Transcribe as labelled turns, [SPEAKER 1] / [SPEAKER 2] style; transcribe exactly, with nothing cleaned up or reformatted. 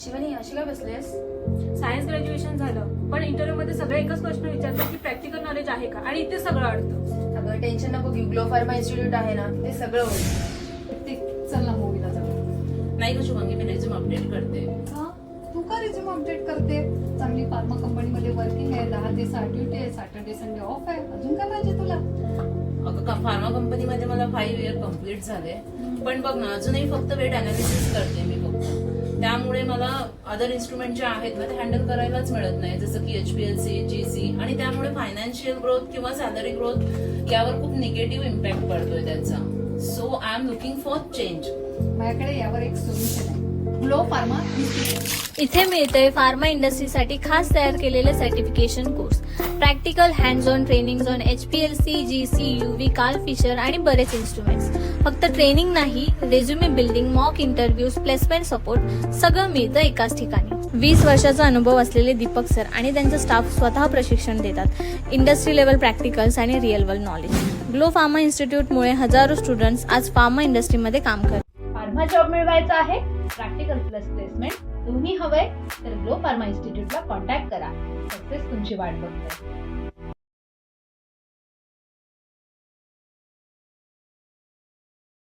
[SPEAKER 1] शिवानी अशी काय बसलेस?
[SPEAKER 2] Science graduation झालं, पण इंटरव्ह्यू मध्ये सगळे एकच प्रश्न विचारतात की प्रॅक्टिकल नॉलेज आहे का, आणि इथे सगळं अडतं.
[SPEAKER 1] अगं टेन्शन नको घेऊ, ग्लो फार्मा इन्स्टिट्यूट आहे ना, ते सगळं होईल.
[SPEAKER 3] ते चल ना मूवीला जाऊ.
[SPEAKER 4] नाही का शुभांगी, मी रेझ्यूम अपडेट करते.
[SPEAKER 3] हा तू का रिझ्यूम अपडेट करते? चांगली फार्मा कंपनीमध्ये वर्किंग आहे, दहा दिवस ड्युटी आहे, सॅटर्डे संडे ऑफ आहे, अजून काय पाहिजे तुला?
[SPEAKER 4] अगं का फार्मा कंपनीमध्ये मला फाईव्ह इयर कम्प्लीट झाले, पण बघ ना अजूनही फक्त वेट अनालिसिस करते मी फक्त. त्यामुळे मला अदर इन्स्ट्रुमेंट जे आहेत ना ते हँडल करायलाच मिळत नाही, जसं की एचपीएलसी, जीसी, आणि त्यामुळे फायनान्शियल ग्रोथ किंवा सॅलरी ग्रोथ यावर खूप निगेटिव्ह इम्पॅक्ट पडतोय त्याचा. So I am looking for change.
[SPEAKER 3] माझ्याकडे यावर एक सोल्युशन आहे, ग्लो फार्मा इन्स्टिट्यूट.
[SPEAKER 5] इथे मिळतंय फार्मा इंडस्ट्रीसाठी खास तयार केलेले certification course, practical hands on training on H P L C, G C, U V, Karl Fischer आणि बरेच इन्स्ट्रुमेंट्स. फक्त ट्रेनिंग नाही, resume building, mock interviews, placement support सगळं मिळतं एकाच ठिकाणी. वीस वर्षाचा अनुभव असलेले दीपक सर आणि त्यांचा स्टाफ स्वतः प्रशिक्षण देतात. इंडस्ट्री लेवल प्रॅक्टिकल्स आणि real world knowledge. Glow Pharma इन्स्टिट्यूटमुळे हजारो स्टुडंट्स आज फार्मा इंडस्ट्रीमध्ये काम करतात.
[SPEAKER 6] फार्मा जॉब मिळवायचा आहे, प्रॅक्टिकल प्लस प्लेसमेंट दोन्ही हवंय, तर ग्लो फार्मा इन्स्टिट्यूटला कॉन्टॅक्ट करा. सक्सेस तुमची वाट बघते.